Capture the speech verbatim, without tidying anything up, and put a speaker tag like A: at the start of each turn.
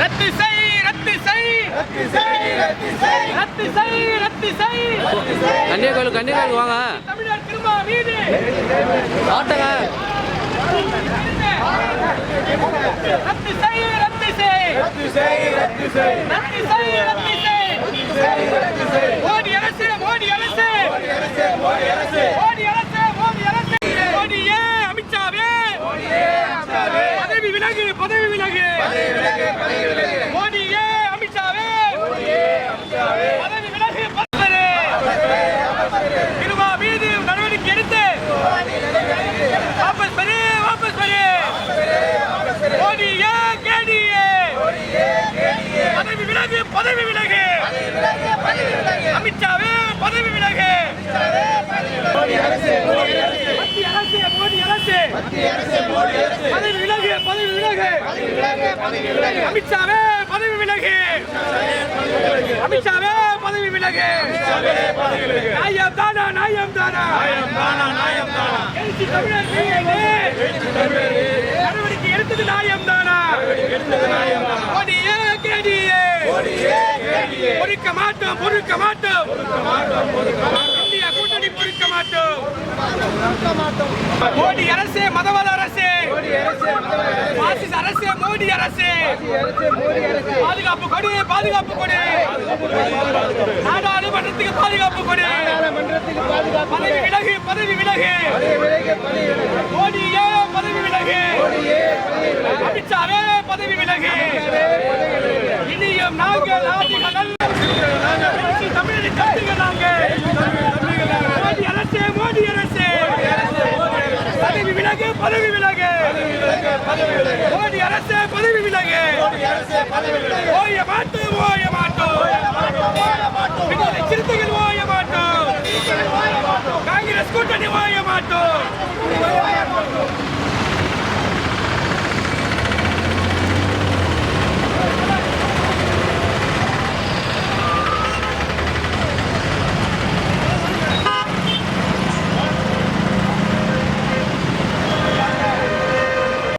A: ரத்து செய் ரத்து செய் ரத்து செய் ரத்து செய் ரத்து செய்
B: கன்னியாகுமரி கன்னியாகுமரி வாங்க
A: தமிழர் திருமா வீடு
B: ஆட்டங்க
A: ரத்து செய் ரத்து செய்
C: ரத்து செய் ரத்து செய்
A: ரத்து செய் ரத்து செய்
C: ரத்து செய்
A: மோடி அரசு மோடி அரசு
C: மோடி அரசு மோடி அரசு
A: மோடி அரசு மோடி அரசு மோடியே அமித்ஷாவே
C: மோடியே அமித்ஷாவே
A: பதவி விலகு பதவி விலகு
C: பதவி விலகு பதவி விலகு
A: மோடியே அமித்ஷாவே
C: மோடியே அமித்ஷாவே
A: பதவி விலகு பதவி திருமா மீது நடவடிக்கை எடுத்து வாபஸ் பெரு வாபஸ் பெரு மோடியே கேடியே பதவி விலகு பதவி விலகு அமித்ஷாவே பதவி விலகு
C: மோடி அரசு மோடி அரசு
A: மத்திய அரசு மோடி அரசு
C: மத்திய அரசு மோடி அரசு
A: பதவி விலகு பதவி விலகு
C: பதவி விலகு பதவி விலகு
A: அமித்ஷாவே பதவி விலகு அமித்ஷாவே பதவி விலகு
C: பதவி விலகு
A: நாயம் தானா நாயம் தானா
C: நாயம் தானா நாயம் தானா
A: எழுச்சி தமிழர் மீது நடவடிக்கை எடுத்தது நாயம் தானா
C: எடுத்தது நாயம் தானா
A: மோடியே கேடியே
C: மோடியே கேடியே
A: பொறுக்க மாட்டோம் பொறுக்க மாட்டோம்
C: மாட்டோம் பொறுக்க மாட்டோம்
A: இந்தியா கூட்டணி பொறுக்க மாட்டோம் மோடி அரசு மதவாத அரசு
C: மோடி அரசு மதவாத
A: பாசிச அரசு மோடி அரசு
C: அரசு மோடி அரசு
A: பாதுகாப்பு கொடு பாதுகாப்பு கொடு நாடாளுமன்றத்துக்கு பாதுகாப்பு கொடு
C: மன்றத்துக்கு பாதுகாப்பு
A: பதவி விலகு பதவி விலகு
C: பதவி விலகு பதவி விலகு
A: மோடியே பதவி விலகு
C: மோடியே பதவி விலகு
A: அமித்ஷாவே பதவி விலகு இனியும் நாங்கள் ஆதிகள் எழுச்சி தமிழின் கட்டுங்க நாங்கள் மோடி அரசு மோடி அரசு பதவி விலகு பதவி விலகு மோடி அரசு பதவி விலகு ஓய மாட்டோம் ஓய மாட்டோம் விடுதலை சிறுத்தைகள் ஓய மாட்டோம் காங்கிரஸ் கூட்டணி ஓய மாட்டோம்